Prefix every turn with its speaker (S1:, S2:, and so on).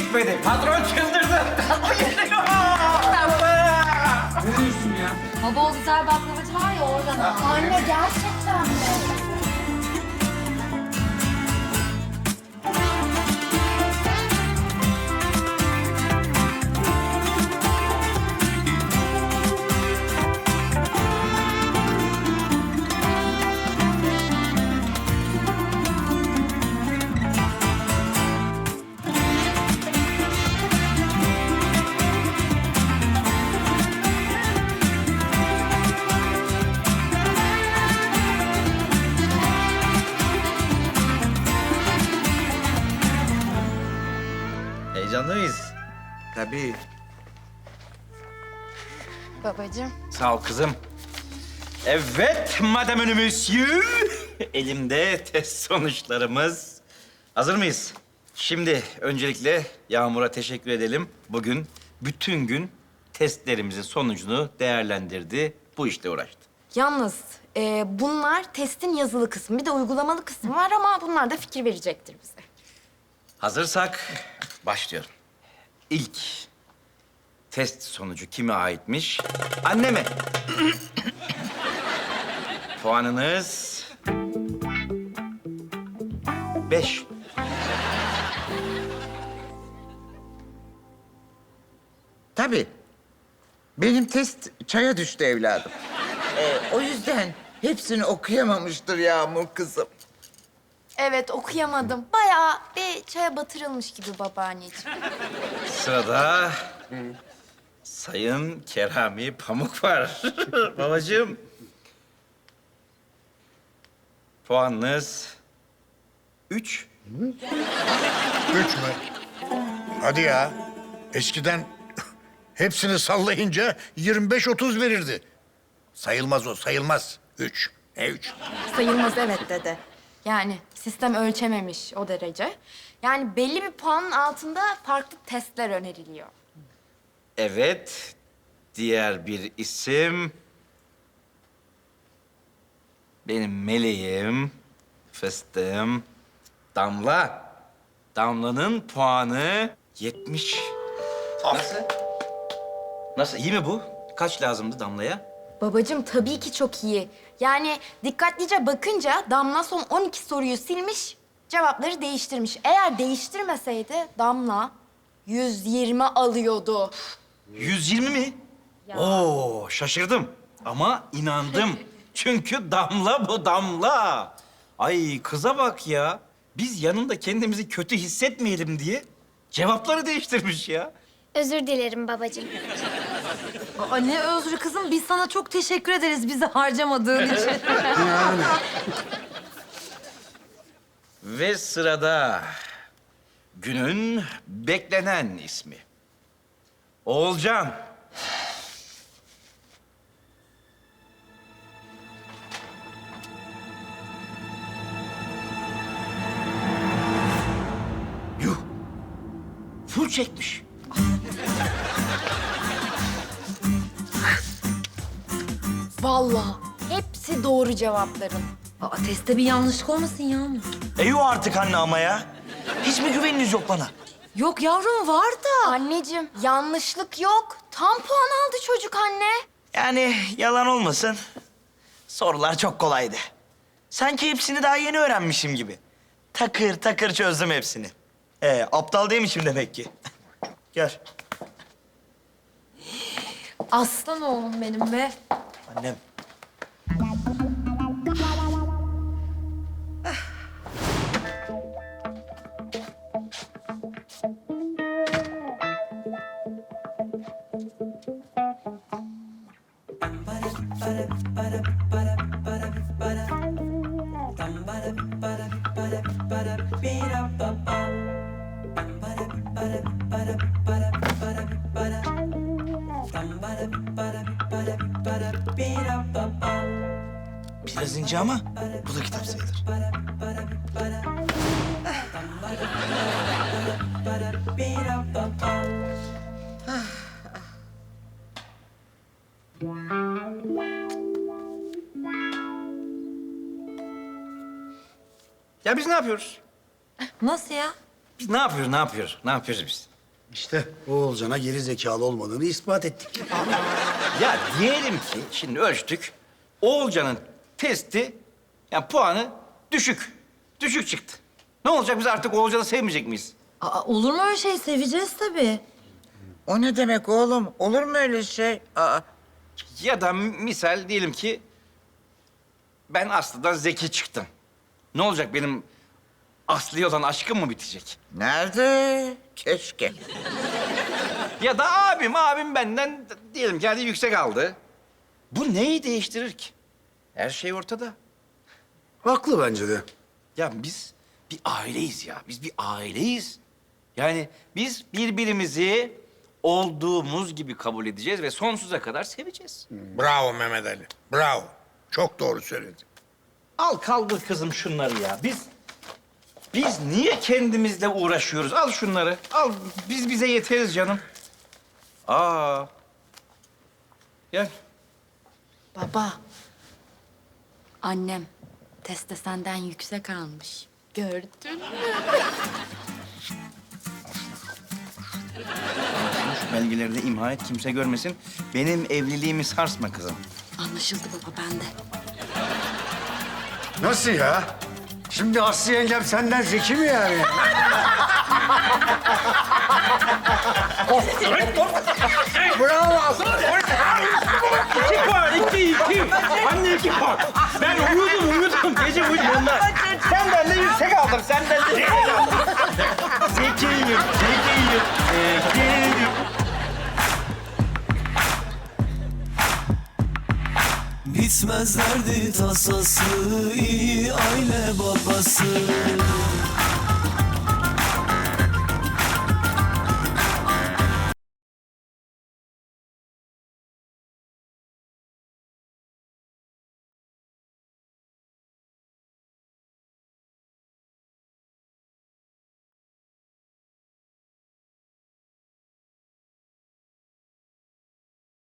S1: düşmedi. Patron çıldırdı. O geliyor. Ne diyorsun ya?
S2: Baba o güzel baklavacı var ya oradan. Anne gerçekten mi?
S1: Heyecanlı mıyız?
S3: Tabii.
S2: Babacığım.
S1: Sağ ol kızım. Evet, madame monsieur. Elimde test sonuçlarımız. Hazır mıyız? Şimdi öncelikle Yağmur'a teşekkür edelim. Bugün bütün gün testlerimizin sonucunu değerlendirdi. Bu işle uğraştı.
S4: Yalnız bunlar testin yazılı kısmı. Bir de uygulamalı kısmı var ama bunlar da fikir verecektir bize.
S1: Hazırsak başlıyorum. İlk test sonucu kime aitmiş? Anneme. Puanınız 5.
S3: Tabii. Benim test çaya düştü evladım. O yüzden hepsini okuyamamıştır Yağmur kızım.
S4: Evet okuyamadım. Bayağı bir çaya batırılmış gibi babaanneciğim.
S1: Sırada Sayın Kerami Pamuk var. Babacığım. Puanınız 3.
S5: 3 mü? Hadi ya. Eskiden hepsini sallayınca 25-30 verirdi. Sayılmaz o, sayılmaz. 3. Ne 3?
S4: Sayılmaz evet dedi. Yani sistem ölçememiş o derece. Yani belli bir puanın altında farklı testler öneriliyor.
S1: Evet, diğer bir isim... Benim meleğim, fıstığım, Damla. Damla'nın puanı 70. Nasıl? Nasıl, iyi mi bu? Kaç lazımdı Damla'ya?
S4: Babacığım tabii ki çok iyi. Yani dikkatlice bakınca Damla son 12 soruyu silmiş, cevapları değiştirmiş. Eğer değiştirmeseydi Damla 120 alıyordu.
S1: 120 mi? Oo, şaşırdım ama inandım. Çünkü Damla bu Damla. Ay kıza bak ya. Biz yanında kendimizi kötü hissetmeyelim diye cevapları değiştirmiş ya.
S2: Özür dilerim babacığım.
S6: Aa, ne özrü kızım. Biz sana çok teşekkür ederiz bizi harcamadığın için.
S1: Ve sırada günün beklenen ismi. Oğulcan. Yuh. Full çekmiş.
S4: Vallahi hepsi doğru cevapların.
S6: Aa, testte bir yanlışlık olmasın Yağmur.
S7: Yok artık anne ama ya. Hiç mi güveniniz yok bana?
S6: Yok yavrum var da.
S4: Anneciğim yanlışlık yok. Tam puan aldı çocuk anne.
S7: Yani yalan olmasın. Sorular çok kolaydı. Sanki hepsini daha yeni öğrenmişim gibi. Takır takır çözdüm hepsini. Aptal değilmişim demek ki. Gel.
S6: Aslan oğlum benim be.
S7: Annem. Biraz ince ama bu da kitap sayılır.
S1: Ya biz ne yapıyoruz?
S6: Nasıl ya?
S1: Biz ne yapıyoruz, ne yapıyoruz? Ne yapıyoruz biz?
S8: İşte Oğulcan'a geri zekalı olmadığını ispat ettik.
S1: Ya diyelim ki şimdi ölçtük. Oğulcan'ın testi yani puanı düşük. Düşük çıktı. Ne olacak biz artık Oğulcan'ı sevmeyecek miyiz?
S6: Aa, olur mu öyle şey? Seveceğiz tabii.
S3: O ne demek oğlum? Olur mu öyle şey? Aa,
S1: Ya da misal diyelim ki ben Aslı'dan zeki çıktım. Ne olacak benim Aslı'ya olan aşkım mı bitecek?
S3: nerede? Keşke.
S1: Ya da abim benden diyelim ki hadi yüksek aldı. Bu neyi değiştirir ki? Her şey ortada.
S8: Haklı bence de.
S1: Ya biz bir aileyiz ya. Biz bir aileyiz. Yani biz birbirimizi olduğumuz gibi kabul edeceğiz ve sonsuza kadar seveceğiz.
S5: Bravo Mehmet Ali. Bravo. Çok doğru söyledin.
S1: Al kaldır kızım şunları ya. Biz niye kendimizle uğraşıyoruz? Al şunları. Al biz bize yeteriz canım. Aa. Gel.
S4: Baba, annem testte senden yüksek almış. Gördün mü?
S1: Şu belgeleri de imha et, kimse görmesin. Benim evliliğimi sarsma kızım.
S4: Anlaşıldı baba, bende.
S8: Nasıl ya? Şimdi Aslı yengem senden zeki mi yani?
S1: İki puan, iki. Anne 2 puan. Ben uyudum. Gece uyudum ondan. Sen benden yüksek aldın, sen benden yüksek aldın. Zekiyim.
S9: Bitmez derdi tasası, iyi aile babası.